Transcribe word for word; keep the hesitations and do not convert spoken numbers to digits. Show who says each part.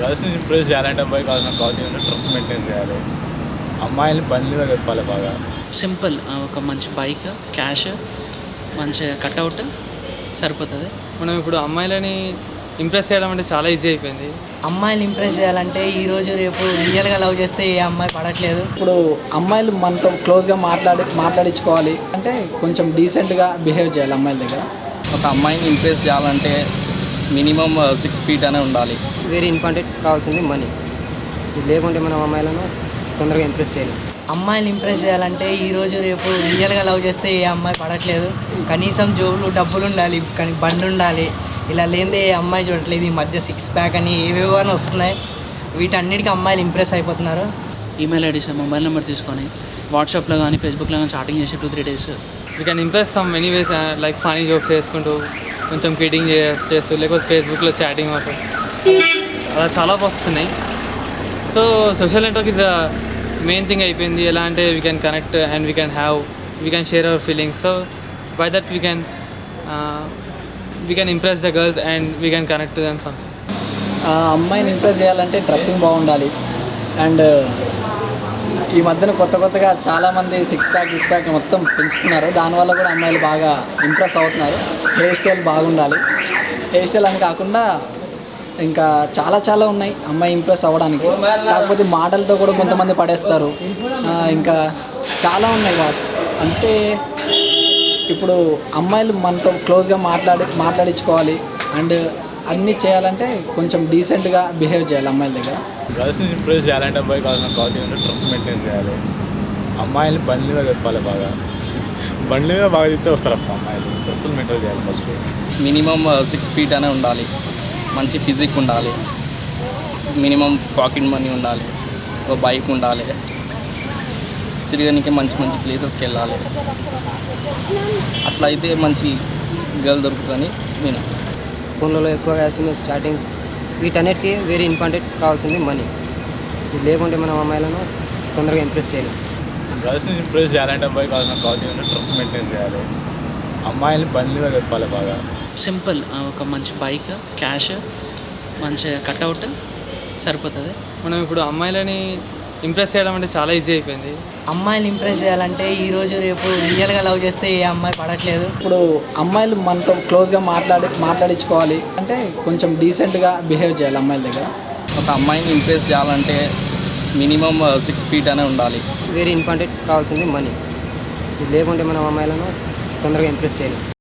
Speaker 1: గర్ల్స్ని impress చేయాలంటే అబ్బాయి కావాల్సిన క్వాలిటీ అంటే డ్రెస్ మెయింటైన్ చేయాలి. అమ్మాయిని బండిగా చెప్పాలి బాగా.
Speaker 2: సింపుల్ ఒక మంచి బైక్, క్యాష్, మంచి కట్అవుట్ సరిపోతుంది.
Speaker 3: మనం ఇప్పుడు అమ్మాయిలని ఇంప్రెస్ చేయడం అంటే చాలా ఈజీ అయిపోయింది.
Speaker 4: అమ్మాయిని ఇంప్రెస్ చేయాలంటే ఈరోజు రేపు రియల్గా లవ్ చేస్తే ఏ అమ్మాయి పడట్లేదు.
Speaker 5: ఇప్పుడు అమ్మాయిలు మనతో క్లోజ్గా మాట్లాడి మాట్లాడించుకోవాలి అంటే కొంచెం డీసెంట్గా బిహేవ్ చేయాలి అమ్మాయిల దగ్గర.
Speaker 6: ఒక అమ్మాయిని ఇంప్రెస్ చేయాలంటే మినిమం సిక్స్ ఫీట్ అనే ఉండాలి.
Speaker 7: వెరీ ఇంపార్టెంట్ కావాల్సింది మనీ. ఇది లేకుంటే మనం అమ్మాయిలను తొందరగా ఇంప్రెస్ చేయలేం.
Speaker 4: అమ్మాయిని ఇంప్రెస్ చేయాలంటే ఈరోజు రేపు రియల్గా లవ్ చేస్తే ఏ అమ్మాయి పడట్లేదు. కనీసం జోబులు డబ్బులు ఉండాలి, కానీ బండి ఉండాలి. ఇలా లేదే ఏ అమ్మాయి చూడట్లేదు. ఈ మధ్య సిక్స్ ప్యాక్ అని ఏవేవో అని వస్తున్నాయి. వీటన్నిటికీ అమ్మాయిలు ఇంప్రెస్ అయిపోతున్నారు.
Speaker 2: ఈమెయిల్ ఐడీస్, మొబైల్ నెంబర్ తీసుకొని వాట్సాప్లో కానీ ఫేస్బుక్లో కానీ చాటింగ్ చేసి two three days
Speaker 3: we can impress some many ways, like funny jokes చేసుకుంటూ, కొంచెం కిడింగ్ చేస్తూ, లేకపోతే ఫేస్బుక్లో చాటింగ్ అవుతుంది. అలా చాలా ప్రాసెస్ ఉన్నాయి. So social network is main thing అయిపోయింది. ఎలా అంటే we can connect and we can have we can share our feelings. So by that we can we can impress the girls and we can connect to them something.
Speaker 5: ఆ అమ్మాయిని impress చేయాలంటే dressing బాగుండాలి. And ఈ మధ్యన కొత్త కొత్తగా చాలామంది six pack six pack మొత్తం పెంచుతున్నారు. దానివల్ల కూడా అమ్మాయిలు బాగా ఇంప్రెస్ అవుతున్నారు. హెయిర్ స్టైల్ బాగుండాలి. హెయిర్ స్టైల్ అని కాకుండా ఇంకా చాలా చాలా ఉన్నాయి అమ్మాయి ఇంప్రెస్ అవ్వడానికి. కాకపోతే మాటలతో కూడా కొంతమంది పడేస్తారు. ఇంకా చాలా ఉన్నాయి బాస్. అంటే ఇప్పుడు అమ్మాయిలు మనతో క్లోజ్గా మాట్లాడి మాట్లాడించుకోవాలి అండ్ అన్నీ చేయాలంటే కొంచెం డీసెంట్గా బిహేవ్ చేయాలి అమ్మాయిల దగ్గర.
Speaker 1: గర్ల్స్ని ఇంప్రెస్ చేయాలంటే అబ్బాయి కావాల్సిన క్వాలిటీ అంటే డ్రెస్ మెయింటైన్ చేయాలి. అమ్మాయిని బండిగా చెప్పాలి బాగా. బండి మీద బాగా చెప్తే వస్తారు అప్పుడు అమ్మాయిలు. డ్రెస్సులు మెయింటైన్ చేయాలి ఫస్ట్.
Speaker 6: మినిమం సిక్స్ ఫీట్ అనే ఉండాలి. మంచి ఫిజిక్ ఉండాలి. మినిమం పాకెట్ మనీ ఉండాలి. ఒక బైక్ ఉండాలి. తిరగడానికి మంచి మంచి ప్లేసెస్కి వెళ్ళాలి. అట్లా అయితే మంచి గర్ల్ దొరుకుతుందని నేను.
Speaker 7: ఫోన్లలో ఎక్కువగా ఎస్ఎంఎస్ చాటింగ్స్ వీటన్నిటికీ వెరీ ఇంపార్టెంట్ కావాల్సింది మనీ. ఇది లేకుంటే మనం అమ్మాయిలను తొందరగా ఇంప్రెస్ చేయలేం.
Speaker 1: గర్ల్స్ని ఇంప్రెస్ చేయాలంటే అబ్బాయి కావాల్సిన క్వాలిటీ అంటే డ్రెస్ మెయింటైన్ చేయాలి. అమ్మాయిని బండిగా చెప్పాలి బాగా.
Speaker 2: సింపుల్ ఒక మంచి బైక్, క్యాష్, మంచి కట్అవుట్ సరిపోతుంది.
Speaker 3: మనం ఇప్పుడు అమ్మాయిలని ఇంప్రెస్ చేయడం అంటే చాలా ఈజీ అయిపోయింది.
Speaker 4: అమ్మాయిని ఇంప్రెస్ చేయాలంటే ఈరోజు రేపు రియల్గా లవ్ చేస్తే ఏ అమ్మాయి పడట్లేదు.
Speaker 5: ఇప్పుడు అమ్మాయిలు మనతో క్లోజ్గా మాట్లాడి మాట్లాడించుకోవాలి అంటే కొంచెం డీసెంట్గా బిహేవ్ చేయాలి అమ్మాయిల దగ్గర.
Speaker 6: ఒక అమ్మాయిని ఇంప్రెస్ చేయాలంటే మినిమం సిక్స్ ఫీట్ అనే ఉండాలి.
Speaker 7: వెరీ ఇంపార్టెంట్ కావాల్సింది మనీ. ఇది లేకుంటే మనం అమ్మాయిలను తొందరగా ఇంప్రెస్ చేయలేం.